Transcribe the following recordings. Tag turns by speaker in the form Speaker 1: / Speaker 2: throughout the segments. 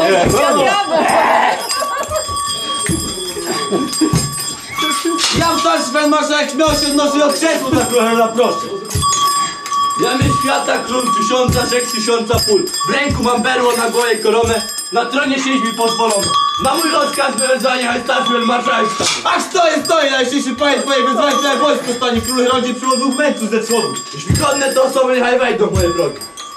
Speaker 1: Ja wstać Sven marszałek śmiał się odnosi od krzesła za królem, proszę. Ja mnie świata król tysiąca, rzek tysiąca pól. W ręku mam berło, na głowie koronę. Na tronie siedź mi pozwolono. Na mój rozkaz wyradzania jest statuel marszałka. Ach stoi, najszczęśliwszy panie twoje wezwanie, twoje wojsko stanie. Król rodzi przy 2 mędrców ze wschodu. Jeśli godne to osoby, niechaj wejdą moje drogi.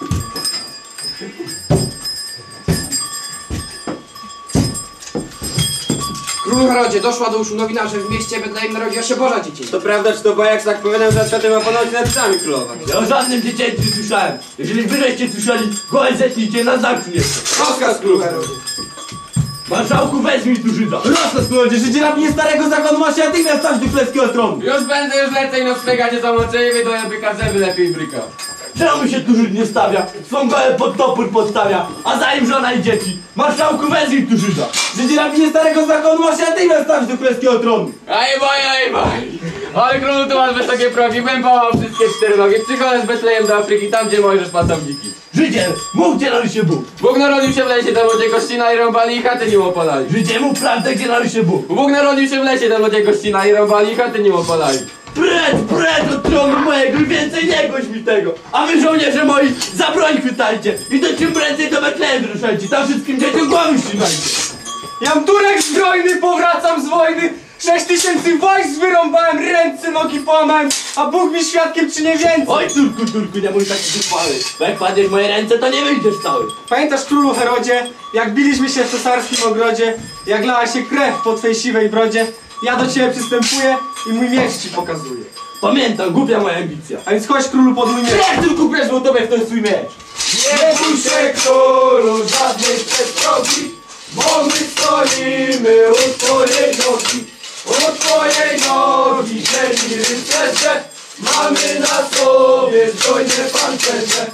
Speaker 2: Królu Herodzie, doszła do uszu nowina, że w mieście Betlejem narodziła się Boża dziecięca.
Speaker 3: To prawda, czy to bajak, tak powiadam, że światem ma ponoć nad psami królować?
Speaker 1: Ja o żadnym dziecięciu nie słyszałem. Jeżeli wy żeście słyszeli, gołe zetnijcie na zamku jeszcze.
Speaker 2: Rozkaz, królu Herodzie.
Speaker 1: Marszałku, weźmij tu Żyda. Rozkaz, królowie, Żydzie rabnie starego zakonu ma się natychmiast stać do królewskiego tronu.
Speaker 2: Już będę, już lecę i noclegacie zamoczę i wydoję byka zęby lepiej bryka.
Speaker 1: Czemu się tu Żyd nie stawia? Swą gołę pod topór podstawia, a za nim żona i dzieci. Marszałku, wezmij tu Żyda. Żydzie rabnie starego zakonu ma się natychmiast stać do królewskiego tronu.
Speaker 2: Aj boj! Ale królu, tu masz wysokie progi, bym połamał wszystkie 4 nogi. Przychodzę z Betlejem do Afryki, tam gdzie Mojżesz pasowniki.
Speaker 1: Żydzie, mów gdzie narodził się Bóg.
Speaker 2: Bóg narodził się w lesie, tam ludzie gościna i rąbali i chaty nim opalali.
Speaker 1: Żydzie, mów prawdę, gdzie narodził się Bóg.
Speaker 2: Bóg narodził się w lesie, tam ludzie gościna i rąbali i chaty nim opalali.
Speaker 1: Precz od tronu mojego i więcej nie gość mi tego. A wy żołnierze moi, za broń chwytajcie i to czym prędzej do Betlejem ruszajcie. Tam wszystkim dzieciom głowy ścinajcie.
Speaker 2: Jam Turek zbrojny, powracam z wojny. 6000 wojsk wyrąbałem, ręce, nogi połamałem, a Bóg mi świadkiem, czy nie więcej.
Speaker 1: Oj Turku, nie mój taki zuchwały. Bo jak padniesz w moje ręce, to nie wyjdziesz cały.
Speaker 4: Pamiętasz, królu Herodzie, jak biliśmy się w cesarskim ogrodzie, jak lała się krew po twej siwej brodzie? Ja do ciebie przystępuję i mój miecz ci pokazuję.
Speaker 1: Pamiętam, głupia moja ambicja.
Speaker 4: A więc chodź, królu, pod mój miecz.
Speaker 1: Jak tylko preszło tobie w ten swój miecz.
Speaker 2: Nie bój się, królu, żadnej przestrogi, bo my stoimy u twojej nogi. U twojej nogi, ziemi rycerze, mamy na sobie zbrojne pancerze.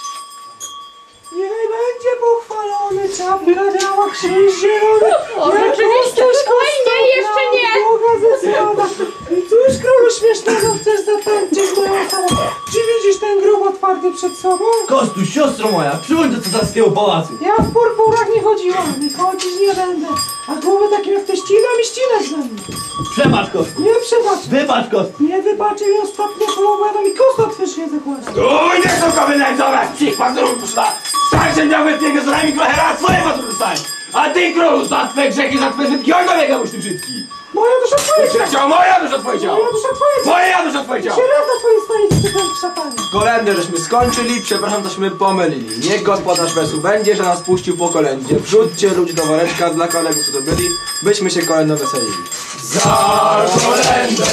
Speaker 4: Niech będzie pochwalony, czapka działa, krzyż zielony.
Speaker 5: O, rzeczywiście, spokojnie, jeszcze nie!
Speaker 4: Boga ze słowa. I cóż, królu śmiesznego chcesz zatańczyć moją osobą? Czy widzisz ten grób otwarty przed sobą?
Speaker 1: Kostuś, siostro moja, przyłącz do cesarskiego pałacu.
Speaker 4: Ja w purpurach nie chodziłam i chodzić nie będę. A głowę takim jak te ścinam i ścinać będę.
Speaker 1: Przebacz, Kostuś.
Speaker 4: Nie przebacz.
Speaker 1: Wybacz, Kostuś.
Speaker 4: Nie wybaczy mi ostatnie słowa, no mi kosta twyż nie zakłada.
Speaker 1: Uj, nie są kobiety najcoraz, psich pazurów poszła. Starszy miał wytniego z nami trochę raz swoje pazurów dostań. A ty, królu, za twe grzechy, za twe zytki, oj, dobiegam już ty brzydki.
Speaker 4: Moja dusza twoja ciała.
Speaker 1: Chciał moja dusza twoje ciało.
Speaker 4: Moja dusza twoja ciała.
Speaker 1: Moja dusza twoje ciało.
Speaker 4: Się raz na twojej stolicy, ty w szatanie.
Speaker 6: Kolędę żeśmy skończyli, przepraszam, tośmy pomylili. Niech gospodarz wesu będzie, że nas puścił po kolędzie. Wrzućcie ludzi do woreczka dla kolegów, co to byli, byśmy się kolędą weselili.
Speaker 1: Za kolędę